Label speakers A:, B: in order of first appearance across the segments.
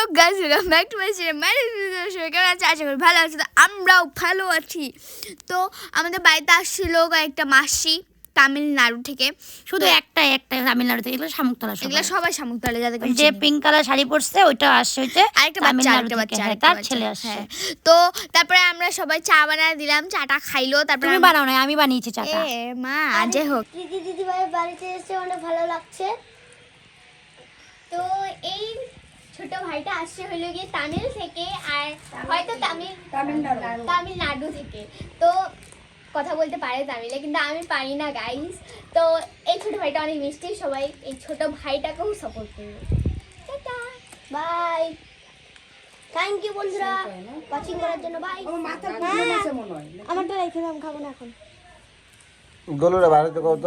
A: Guys welcome back to my channel. কেমন আছে? আশা করি ভালো আছে। তো আমরাও ভালো আছি। তো আমাদের বাড়িতে আসছিল একটা মাসি তামিলনাড়ু থেকে।
B: শুধু একটা তামিলনাড়ু থেকে, এগুলো শামুকতলা।
A: এগুলো সবাই শামুকতলা, যাদেরকে
B: যে পিঙ্ক কালার শাড়ি পরছে ওইটা আসছে হইতে
A: আরেকটা বাচ্চা,
B: তার ছেলে আসছে।
A: হ্যাঁ। তো তারপরে আমরা সবাই চা বানায় দিলাম, চাটা খাইলো। তারপরে
B: তুমি বানাও না, আমি বানিয়েছি চাটা।
A: মা যাই হোক,
C: দিদি ভাই বাড়িতে এসে অনেক ভালো লাগছে। তো এই ছোট ভাইটা আসছে হলো গিয়ে তামিল থেকে, আর হয়তো তামিলনাড়ু থেকে। তো কথা বলতে পারে তামিলে, কিন্তু আমি পারি না গাইস। তো এই ছোট ভাইটা অনেক মিষ্টি, সবাই এই ছোট ভাইটাকেও সাপোর্ট করবে। টাটা বাই, থ্যাংক ইউ বন্ধুরা ওয়াচিং করার জন্য। বাই। আমার তো রেখে দাম, খাবো না এখন।
D: গলুরা ভারতে কত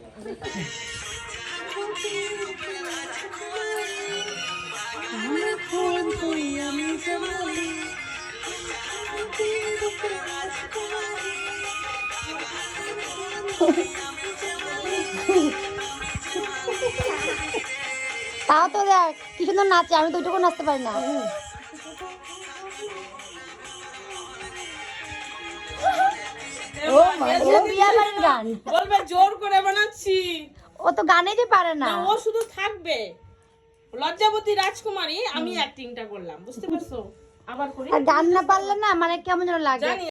B: তাও তো দেখ কি সুন্দর নাচে, আমি তো ওইটুকু নাচতে পারি না। ও বিয়া বাড়ির গান
E: বলবে জোর করে বানাচ্ছি।
B: ও তো গানেই পারে না।
E: ও শুধু থাকবে লজ্জাবতী রাজকুমারী, আমি অ্যাক্টিংটা করলাম, বুঝতে পারছো? আবার করি,
B: আর গান না পারলে না মানে কেমন যেন লাগে।
E: জানি